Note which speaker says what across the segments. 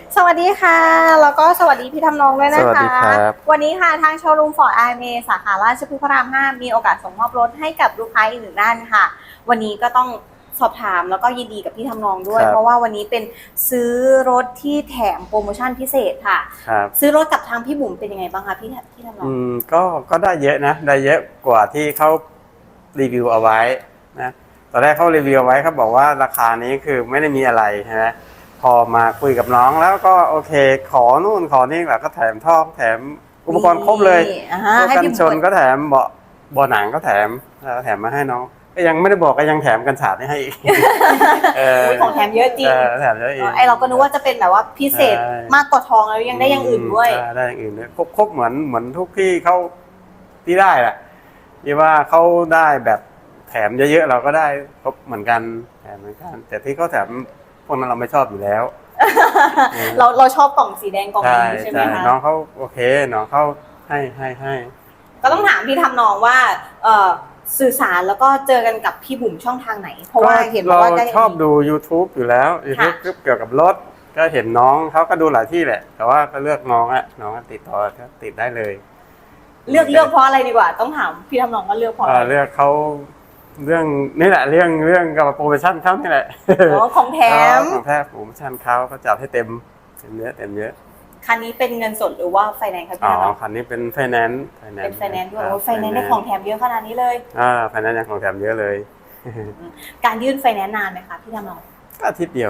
Speaker 1: สวัสดีค่ะแล้วก็สวัสดีพี่ทำนองด้วยนะ
Speaker 2: สวัสดี
Speaker 1: คะ
Speaker 2: ครับ
Speaker 1: วันนี้ค่ะทางโชว์รูมฟอร์ดไอเมสาขาราชพฤกษ์พระราม 5มีโอกาสส่งมอบรถให้กับลูกค้าอีกหนึ่งท่านค่ะวันนี้ก็ต้องสอบถามแล้วก็ยินดีกับพี่ทำนองด้วยเพราะว่าวันนี้เป็นซื้อรถที่แถมโปรโมชั่นพิเศษค่ะ
Speaker 2: ครับ
Speaker 1: ซื้อรถกับทางพี่บุ๋มเป็นยังไงบ้างคะพี่ทำนอง
Speaker 2: ก็ได้เยอะนะได้เยอะกว่าที่เขารีวิวเอาไว้นะตอนแรกเขารีวิวเอาไว้เขาบอกว่าราคานี้คือไม่ได้มีอะไรใช่ไหมพอมาคุยกับน้องแล้วก็โอเคขอนู่นขอนี่แหละก็แถมท่อแถมอุปกรณ์ครบเลยกันชนก็แถมเบาะหนังก็แถมมาให้น้องก็ยังไม่ได้บอกก็ยังแถมกันสาดให้อีก
Speaker 1: ของแถมเยอะจริง
Speaker 2: แถมเยอะอีก
Speaker 1: ไอเราก็นึกว่าจะเป็นแบบว่าพิเศษมากกว่าทองแล้วยังได้อย่างอื่นด้วย
Speaker 2: ได้อย่างอื่นด้วยครบเหมือนทุกที่เขาที่ได้แหละที่ว่าเขาได้แบบแถมเยอะๆเราก็ได้ครบเหมือนกันแถมเหมือนกันแต่ที่เขาแถมพวกนั้นเราไม่ชอบอยู่แล้ว
Speaker 1: เราชอบกล่องสีแดงกล่องนี้ใช่ไหมคะ
Speaker 2: น้องเขาโอเคน้องเขาให้
Speaker 1: ก็ต้องถามพี่ทำนองว่าสื่อสารแล้วก็เจอกันกับพี่บุ๋มช่องทางไหนเพราะว่าเห็นว่า
Speaker 2: เราชอบดู YouTube อยู่แล้ว YouTube เกี่ยวกับรถก็เห็นน้องเขาก็ดูหลายที่แหละแต่ว่าก็เลือกน้องติดต่อติดได้เลย
Speaker 1: เลือกเพราะอะไรดีกว่าต้องถามพี่ทำนองว่าเลือกเพราะอะไร
Speaker 2: เลือกเขาเรื่องนี่แหละเรื่องกับโปรโมชั่นเขานี่แหละ
Speaker 1: ของแถม
Speaker 2: โปรโมชั่นเขาจัดให้เต็มเยอะ
Speaker 1: คันนี้เป็นเงินสดหรือว่าไฟแนนซ์ครับพี่ทำนอง
Speaker 2: คันนี้เป็นไฟแนนซ์
Speaker 1: เป็นไฟแนนซ์ด้วยไฟแนนซ์ได้ของแถมเยอะขนาดนี้เลย
Speaker 2: ไฟแนนซ์ยังของแถมเยอะเลย
Speaker 1: การยื่นไฟแนนซ์นานไหมคะพี่ทำนอง
Speaker 2: อาทิตย์เดียว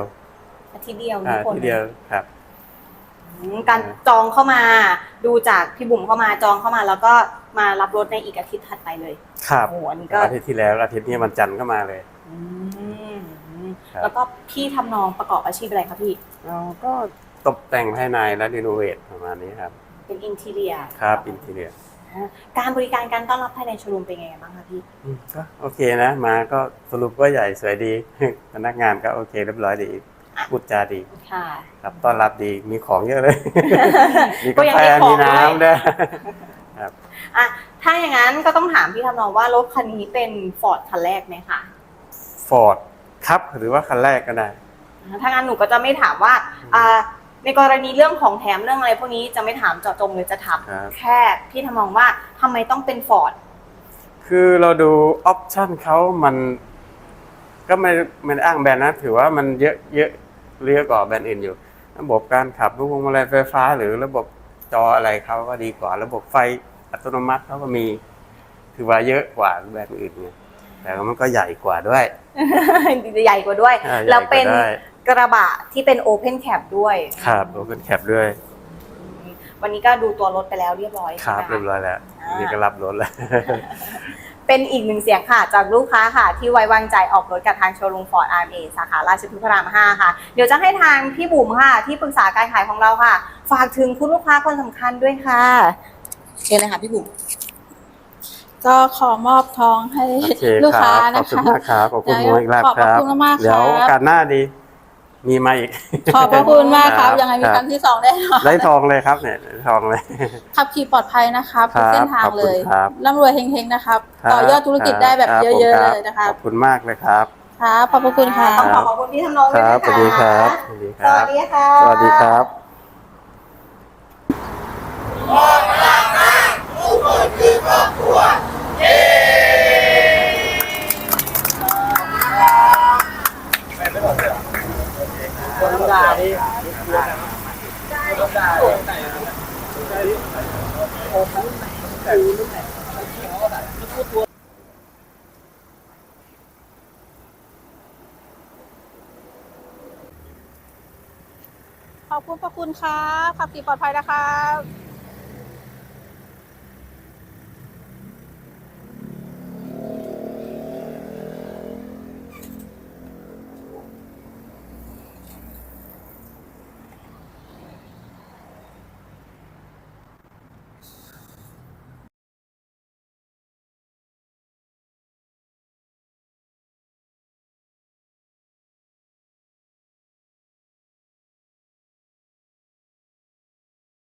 Speaker 2: ครับ
Speaker 1: การจองเข้ามาดูจากพี่บุ๋มเข้ามาจองเข้ามาแล้วก็มารับรถในอีกอาทิตย์ถัดไปเลย
Speaker 2: ครับอาทิตย์ที่แล้วอาทิตย์นี้วันจันทร์ก็มาเลย
Speaker 1: แล้วก็พี่ทำนองประกอบอาชีพอะไรคะพี่
Speaker 2: ก็ตกแต่งภายในและรีโนเวทประมาณนี้ครับ
Speaker 1: เป็นอินทีเรีย
Speaker 2: ครับอินทีเรีย
Speaker 1: การบริการการต้อนรับภายในโชว์รูมเป็นไงบ้างคะพี่
Speaker 2: ก็โอเคนะมาก็สรุปว่าใหญ่สวยดีพนักงานก็โอเคเรียบร้อยดีพูดจาดีครับต้อนรับดีมีของเยอะเลยมีกาแฟมีน้ำด้วยครับ
Speaker 1: ถ้าอย่างนั้นก็ต้องถามพี่ทำนองว่ารถคันนี้เป็นฟอร์ดคันแรกไหมคะ
Speaker 2: ฟอร์ดครับหรือว่าคันแรกก็ได้
Speaker 1: ถ้างั้นหนูก็จะไม่ถามว่าในกรณีเรื่องของแถมเรื่องอะไรพวกนี้จะไม่ถามเจาะจงเลยจะถามแค่พี่ทำนองว่าทำไมต้องเป็นฟอร์ด
Speaker 2: คือเราดูออปชั่นเขามันก็ไม่อ้างแบรนด์นะถือว่ามันเยอะกว่าแบรนด์อื่นอยู่ระบบการขับพวงมาลัยไฟฟ้าหรือระบบจออะไรเขาก็ดีกว่าระบบไฟอัตโนมัติเขาก็มีถือว่าเยอะกว่าแบรนด์อื่นไงแต่มันก็ใหญ่กว่าด้วย
Speaker 1: ใหญ่กว่าด้วยแล้วเป็นกระบะที่เป็นโอเพนแคปด้วย
Speaker 2: ครับโอเพนแคปด้วย
Speaker 1: วันนี้ก็ดูตัวรถไปแล้วเรียบร้อย
Speaker 2: ครับเรียบร้อยแล้วนี่ก็รับรถแล้ว
Speaker 1: เป็นอีกหนึ่งเสียงค่ะจากลูกค้าค่ะที่ไว้วางใจออกรถกับทางโชว์รูมฟอร์ดอาร์เอสาขาราชพฤกษ์พระราม 5ค่ะเดี๋ยวจะให้ทางพี่บุ๋มค่ะที่ปรึกษาการขายของเราค่ะฝากถึงคุณลูกค้าคนสำคัญด้วยค่ะเชิญเลยค่ะพี่บุ๋ม
Speaker 3: ก็ขอมอบทองให้ลูกค้านะคะ
Speaker 2: ขอบคุณมากครับ
Speaker 3: ขอบคุณมาก
Speaker 2: เดี๋ยวโอกาสหน้าดีมีมาอีก
Speaker 3: ขอบพระคุณมากครับยังไงมีครั้งที่2ได้
Speaker 2: ทองเลยครับเนี่ยทองเลย
Speaker 3: ขับขี่ปลอดภัยนะครับทุกเส้นทางเลยร่ำรวยเฮงๆนะครับต่อยอดธุรกิจได้แบบเยอะๆเลยนะคะ
Speaker 2: ขอบคุณมากเลยครับ
Speaker 3: ครับขอบพระคุณค่ะ
Speaker 1: ต้องขอบคุณพี่ทำนองด้วยนะคะ
Speaker 2: สวัสดีครับ
Speaker 1: สวัสดีค่ะ
Speaker 2: สวัสดีครับ
Speaker 4: ทุกคนคือครอบครัว
Speaker 2: คนธรรมดาดิ
Speaker 3: ขอบคุณพระคุณครับขับขี่ปลอดภัยนะครับ